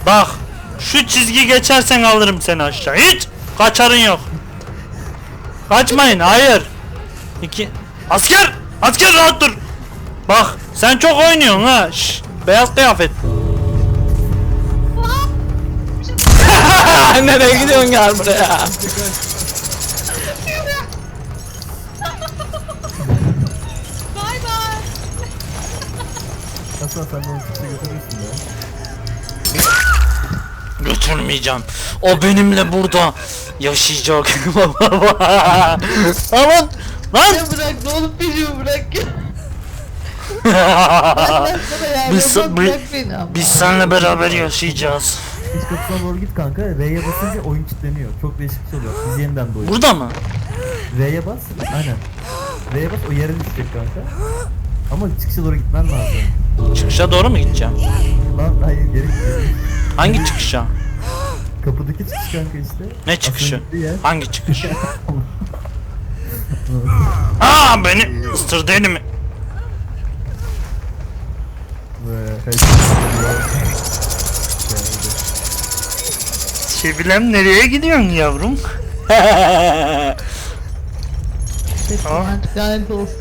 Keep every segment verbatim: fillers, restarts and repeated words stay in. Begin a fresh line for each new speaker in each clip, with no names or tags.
Bak şu çizgi geçersen alırım seni aşağı. Hiç kaçarın yok. Kaçmayın, hayır. İki asker, asker rahat dur. Bak sen çok oynuyorsun ha. Şş, beyaz kıyafet. Nereye gidiyorsun, gel buraya.
Bay bay.
Hasan sen de onu kimse götürürsün ya.
Götürmeyeceğim. O benimle burada yaşayacak. Aman lan.
Ya bırak ne olup peşimi bırak.
Biz,
Biz,
bi- biz seninle beraber yaşayacağız.
İç kapısına doğru git kanka. R'ye basınca oyun kilitleniyor. Çok değişik bir şey oluyor. Biz yeniden doğuyoruz.
Burada mı?
R'ye bas. Aynen. R'ye bas, o yere düşecek kanka. Ama çıkışa doğru gitmen lazım.
Çıkışa doğru mu gideceğim?
Lan hayır, geri git.
Hangi çıkışa?
Kapıdaki çıkış kanka işte.
Ne çıkışı?
Aslında gittiği yer.
Hangi çıkış? Aa beni ısırdı elimi.
Ve hey.
Sevilem nereye gidiyorsun yavrum?
Lanet olsun.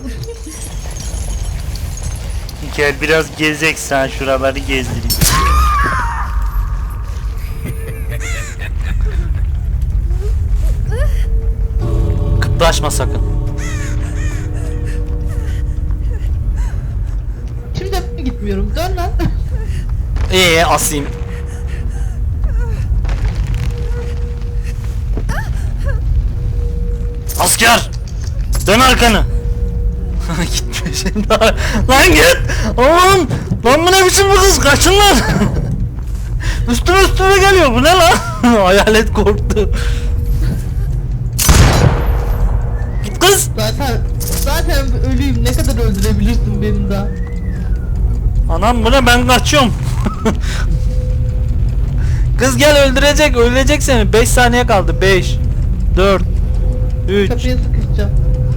Gel biraz gezek, sen şuraları gezdireyim. Kıpraşma sakın.
Şimdi de gitmiyorum. Dön lan.
Ee asayım. Asker! Dön arkanı. Gitme şimdi. Lan git! Aman! Lan bu ne biçim bu kız? Kaçın lan! Üstüme üstüme geliyor, bu ne lan? Hayalet korktu. Git kız!
Zaten zaten ölüyüm. Ne kadar öldürebilirsin beni daha?
Anam bu ne, ben kaçıyorum. Kız gel, öldürecek, öldürecek seni. beş saniye kaldı. beş dört üç
Kapıya sıkışacağım.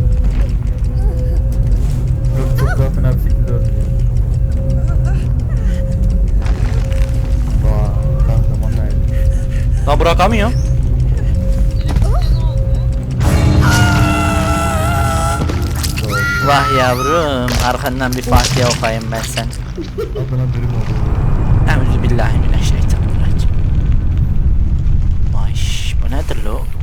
Yok, çok daha fena bir şekilde öldü. Vaa, kahraman nerede?
Lan bırakamıyorum. Vah yavrum, arkandan bir Fatiha okuyayım ben sen.
Adına dürüm oldu.
Euzubillahimineşşeytanirracim. Vay, bu nedir lo?